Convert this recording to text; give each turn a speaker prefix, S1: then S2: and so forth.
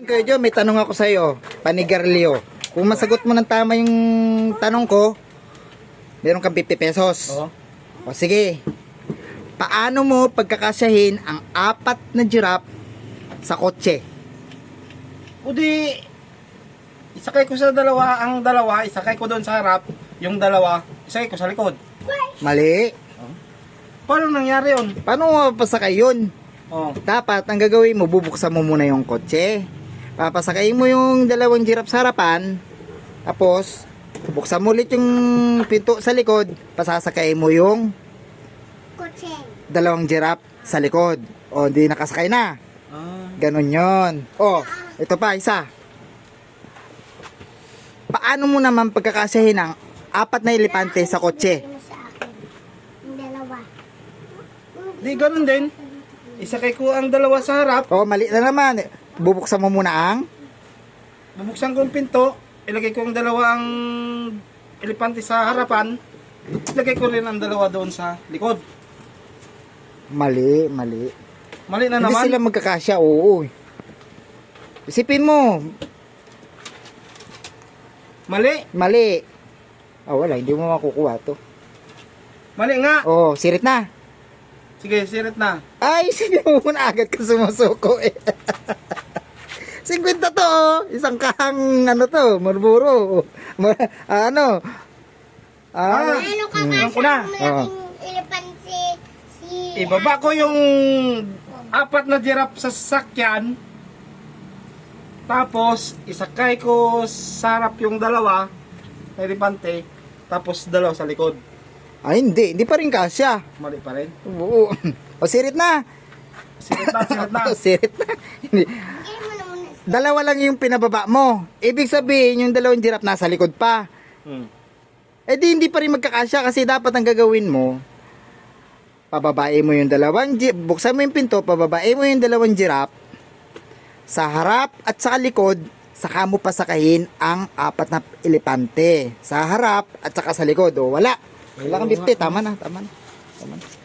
S1: Kuya Jo, may tanong ako sa iyo, panigarilyo. Kung masagot mo ng tama yung tanong ko, meron kang 50 pesos.
S2: Oo.
S1: O sige, paano mo pagkakasyahin ang 4 na giraffe sa kotse?
S2: O di, isakay ko sa dalawa, ang dalawa, isakay ko doon sa harap, yung dalawa, isakay ko sa likod.
S1: Mali.
S2: Paano nangyari yun?
S1: Paano mo mapasakay yun?
S2: Oh.
S1: Dapat, ang gagawin mo, bubuksan mo muna yung kotse. Papasakay mo yung 2 giraffe sa harapan. Tapos, buksan mo ulit yung pinto sa likod. Pasasakay mo yung 2 giraffe sa likod. O, hindi nakasakay na. Ganon yon. O, ito pa, isa. Paano mo naman pagkakasyahin ang 4 na elepante sa kotse?
S2: Di, ganun din. Isakay ko ang dalawa sa harap,
S1: O, mali na naman. Bubuksan mo muna ang...
S2: bubuksan ko ang pinto, ilagay ko ang dalawang elepante sa harapan, ilagay ko rin ang dalawa doon sa likod.
S1: Mali.
S2: Mali na
S1: Hindi
S2: naman.
S1: sila magkakasya, oo. Isipin mo,
S2: Mali.
S1: Wala, hindi mo makukuha to.
S2: Mali nga.
S1: Oh, sirit na.
S2: Sige, sirit na.
S1: Ay, isipin mo muna agad ka sumusuko eh. 50 to, oh. Isang kahang, to, Marlboro. Ano?
S3: Ano ka
S2: Alam ko na.
S3: malaking elepante si...
S2: Ibaba ko yung 4 na giraffe sa sasakyan. Tapos, isakay ko sa harap yung dalawa na elepante. Tapos, dalawa sa likod.
S1: Ay, hindi pa rin kasya.
S2: Mali pa rin.
S1: Oo. O, sirit na.
S2: Sirit na.
S1: Sirit na. Hindi.
S3: Bigay mo na muna.
S1: 2 lang yung pinababa mo. Ibig sabihin, yung 2 giraffe nasa likod pa. Eh di hindi pa rin magkakasya kasi dapat ang gagawin mo, pababae mo yung 2 buksan mo yung pinto, pababae mo yung 2 giraffe sa harap at sa likod, saka mo pasakahin ang 4 na elepante sa harap at saka sa likod. O, wala kang 50, tama na.